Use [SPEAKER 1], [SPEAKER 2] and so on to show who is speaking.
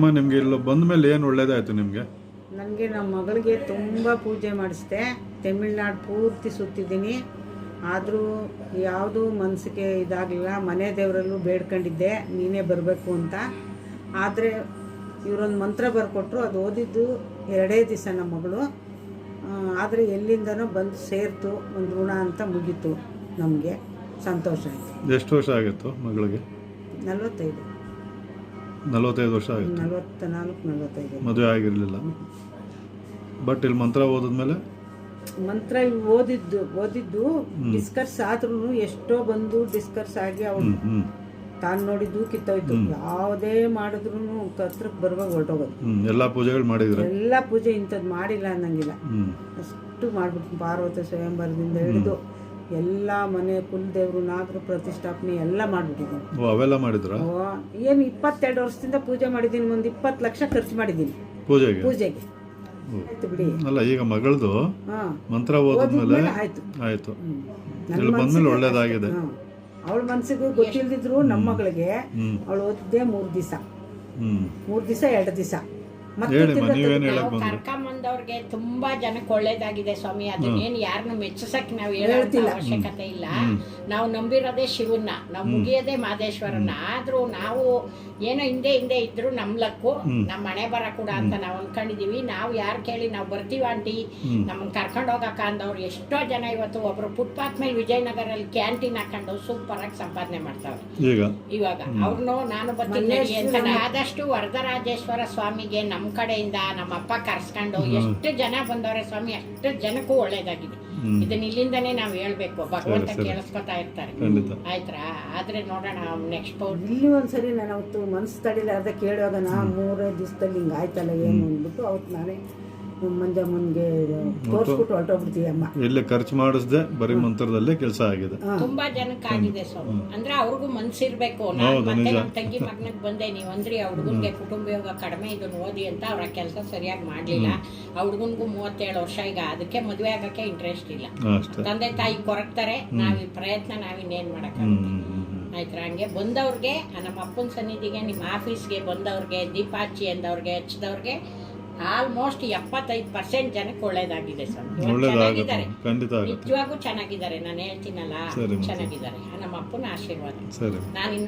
[SPEAKER 1] ಅಮ್ಮ ನಿಮಗೆ ಇಲ್ಲಿ ಬಂದ ಮೇಲೆ ಏನು ಒಳ್ಳೇದಾಯ್ತು ನಿಮಗೆ?
[SPEAKER 2] ನನಗೆ ನಮ್ಮ ಮಗಳಿಗೆ ತುಂಬ ಪೂಜೆ ಮಾಡಿಸ್ದೆ. ತಮಿಳ್ನಾಡು ಪೂರ್ತಿ ಸುತ್ತಿದ್ದೀನಿ. ಆದರೂ ಯಾವುದೂ ಮನಸ್ಸಿಗೆ ಇದಾಗಲಿಲ್ಲ. ಮನೆ ದೇವರಲ್ಲೂ ಬೇಡ್ಕೊಂಡಿದ್ದೆ ನೀನೇ ಬರಬೇಕು ಅಂತ. ಆದರೆ ಇವರೊಂದು ಮಂತ್ರ ಬರ್ಕೊಟ್ರು. ಅದು ಓದಿದ್ದು 2 ದಿವಸ ನಮ್ಮ ಮಗಳು. ಆದರೆ ಎಲ್ಲಿಂದನೋ ಬಂದು ಸೇರ್ತು. ಒಂದು ಋಣ ಅಂತ ಮುಗೀತು. ನಮಗೆ ಸಂತೋಷ ಆಯಿತು.
[SPEAKER 1] ಎಷ್ಟು ವರ್ಷ ಆಗಿತ್ತು ಮಗಳಿಗೆ? 45 ವರ್ಷ ಆಗಿತ್ತು.
[SPEAKER 2] 44-45.
[SPEAKER 1] ಮದುವೆ ಆಗಿರಲಿಲ್ಲ. ಬಟ್ ಇಲ್ಲಿ ಮಂತ್ರ ಓದಿದ್ಮೇಲೆ
[SPEAKER 2] ಮಂತ್ರ ಓದಿದ್ದು ಡಿಸ್ಕರ್ಸ್ ಆದ್ರೂ ಎಷ್ಟೋ ಬಂದು ಡಿಸ್ಕರ್ಸ್ ಆಗಿ ಅವಳು ತಾನು ನೋಡಿದ್ದು ಕಿತ್ತೋಯ್ತು. ಯಾವುದೇ ಮಾಡಿದ್ರು ಹತ್ರಕ್ಕೆ ಬರುವಾಗ ಹೊರಟೋಗೋದು.
[SPEAKER 1] ಎಲ್ಲ ಪೂಜೆಗಳು ಮಾಡಿದ್ರು.
[SPEAKER 2] ಎಲ್ಲ ಪೂಜೆ ಇಂಥದ್ದು ಮಾಡಿಲ್ಲ ಅನ್ನಂಗಿಲ್ಲ. ಅಷ್ಟು ಮಾಡ್ಬಿಟ್ಟು ಪಾರ್ವತಿ ಸ್ವಯಂವರದಿಂದ ಹಿಡಿದು ಎಲ್ಲ ಮನೆ ಕುಲದೇವ್ರು ನಾಗರು ಪ್ರತಿಷ್ಠಾಪನೆ ಎಲ್ಲ ಮಾಡ್ಬಿಟ್ಟಿದ್ದೀನಿ.
[SPEAKER 1] ಅವೆಲ್ಲ ಮಾಡಿದ್ರ?
[SPEAKER 2] ಏನು 22 ವರ್ಷದಿಂದ ಪೂಜೆ ಮಾಡಿದ್ದೀನಿ. ಒಂದು 20 ಲಕ್ಷ ಖರ್ಚು ಮಾಡಿದ್ದೀನಿ ಪೂಜೆಗೆ. ಬಿಡಿ.
[SPEAKER 1] ಅಲ್ಲ, ಈಗ ಮಗಳದು ಮಂತ್ರ ಓದಿದ್ಮೇಲೆ ಆಯ್ತು. ಇಲ್ಲಿ ಬಂದ್ಮೇಲೆ ಒಳ್ಳೇದಾಗಿದೆ.
[SPEAKER 2] ಅವಳ ಮನ್ಸಿಗೂ ಗೊತ್ತಿಲ್ದಿದ್ರು ನಮ್ಮ ಮಗಳಿಗೆ ಅವಳು ಓದಿದ್ದೆ 3 ದಿವಸ 2 ದಿವಸ.
[SPEAKER 3] ಕರ್ಕೊಂಬಂದವ್ರಿಗೆ ತುಂಬಾ ಜನಕ್ಕೆ ಒಳ್ಳೇದಾಗಿದೆ ಸ್ವಾಮಿ. ಅದನ್ನೇನು ಯಾರನ್ನು ಮೆಚ್ಚಿಸಕ್ ನಾವು ಹೇಳೋಂತ ಅವಶ್ಯಕತೆ ಇಲ್ಲ. ನಾವು ನಂಬಿರೋದೇ ಶಿವನ್ನ, ನಾವು ಮುಗಿಯೋದೇ ಮಾದೇಶ್ವರನ್ನ. ಆದ್ರೂ ನಾವು ಏನೋ ಹಿಂದೆ ಇದ್ರು ನಮ್ ಲಕ್ಕು, ನಮ್ಮ ಮನೆ ಬರ ಕೂಡ ಅಂತ ನಾವು ಅನ್ಕೊಂಡಿದೀವಿ. ನಾವು ಯಾರು ಕೇಳಿ ನಾವು ಬರ್ತೀವ ಆಂಟಿ ನಮ್ಮನ್ನ ಕರ್ಕೊಂಡು ಹೋಗಕ್ಕ ಅಂದವ್ರು ಎಷ್ಟೋ ಜನ ಇವತ್ತು ಒಬ್ರು ಫುಟ್ಪಾತ್ ಮೇಲೆ ವಿಜಯನಗರಲ್ಲಿ ಕ್ಯಾಂಟೀನ್ ಹಾಕೊಂಡು ಸೂಪರ್ ಆಗಿ ಸಂಪಾದನೆ ಮಾಡ್ತಾವ್ರೆ. ಇವಾಗ ಅವ್ರನ್ನು ನಾನು ಬರ್ತೀನಿ ಅಂತ ಆದಷ್ಟು ವರದರಾಜೇಶ್ವರ ಸ್ವಾಮಿಗೆ ನಮ್ಮ ಕಡೆಯಿಂದ ನಮ್ಮ ಅಪ್ಪ ಕರ್ಸ್ಕೊಂಡು ಎಷ್ಟು ಜನ ಬಂದವ್ರೆ ಸ್ವಾಮಿ, ಅಷ್ಟು ಜನಕ್ಕೂ ಒಳ್ಳೇದಾಗಿದೆ. ಇದನ್ನ ಇಲ್ಲಿಂದಾನೇ ನಾವು ಹೇಳ್ಬೇಕು. ಭಗವಂತ ಕೇಳಿಸ್ಕೊತಾ ಇರ್ತಾರೆ. ಆಯ್ತಾ? ಆದ್ರೆ ನೋಡೋಣ ನೆಕ್ಸ್ಟ್
[SPEAKER 2] ಇಲ್ಲಿ ಒಂದ್ಸರಿ ನಾನು ಅವತ್ತು ಮನ್ಸು ತಡಿಲಾರ್ದ ಕೇಳುವಾಗ 3 ದಿವಸದಲ್ಲಿ ಹಿಂಗೆ ಆಯ್ತಲ್ಲ ಏನು ಅಂದ್ಬಿಟ್ಟು ಅವತ್ತು ನಾನೇ ಮಂಜಮ್ಮನ್ಗೆ ತೋರಿಸ್ಬಿಟ್ಟು ಹೊರಟೋಗ್ಬಿಡ್ತೀವಿ. ಅಮ್ಮ
[SPEAKER 1] ಎಲ್ಲಿ ಖರ್ಚು ಮಾಡಿಸ್ದೆ, ಬರೀ ಮಂತ್ರದಲ್ಲೇ ಕೆಲಸ ಆಗಿದೆ.
[SPEAKER 3] ತುಂಬಾ ಜನಕ್ಕೆ ಆಗಿದೆ ಸ್ವಾಮಿ. ಅಂದ್ರೆ ಅವ್ರಿಗೂ ಮನ್ಸಿರ್ಬೇಕು. ನಾನು ಮತ್ತೆ ನಮ್ಮ ತಂಗಿ ಮಗನಿಗೆ ಬಂದೆ, ನೀವು ಅಂದ್ರಿ ಆ ಹುಡುಗನ್ಗೆ ಕುಟುಂಬ ಯೋಗ ಕಡಿಮೆ ಇದನ್ನ ಓದಿ ಅಂತ. ಅವ್ರ ಕೆಲಸ ಸರಿಯಾಗಿ ಮಾಡ್ಲಿಲ್ಲ. ಆ ಹುಡುಗನ್ಗೂ 37 ವರ್ಷ. ಈಗ ಅದಕ್ಕೆ ಮದುವೆ ಆಗಕ್ಕೆ ಇಂಟ್ರೆಸ್ಟ್ ಇಲ್ಲ. ತಂದೆ ತಾಯಿ ಕೊರಗ್ತಾರೆ. ನಾವ್ ಪ್ರಯತ್ನ ನಾವಿನ್ನೇನ್ ಮಾಡಕ್ಕಾಗುತ್ತೆ. ಆಯ್ತಾ? ಹಂಗೆ ಬಂದವ್ರಿಗೆ ನಮ್ಮ ಅಪ್ಪನ ಸನ್ನಿಧಿಗೆ, ನಿಮ್ಮ ಆಫೀಸ್ಗೆ ಬಂದವ್ರಿಗೆ, ದೀಪ ಹಚ್ಚಿ ಅಂದವ್ರಿಗೆ, ಹಚ್ಚಿದವ್ರಿಗೆ ಆಲ್ಮೋಸ್ಟ್ 75% ಜನಕ್ಕೆ ಒಳ್ಳೇದಾಗಿದೆ ಸರ್. ಚೆನ್ನಾಗಿದ್ದಾರೆ, ನಿಜವಾಗೂ ಚೆನ್ನಾಗಿದ್ದಾರೆ. ನಾನು ಹೇಳ್ತೀನಲ್ಲ, ಚೆನ್ನಾಗಿದ್ದಾರೆ. ನಮ್ಮ ಅಪ್ಪನ ಆಶೀರ್ವಾದ. ನಾನು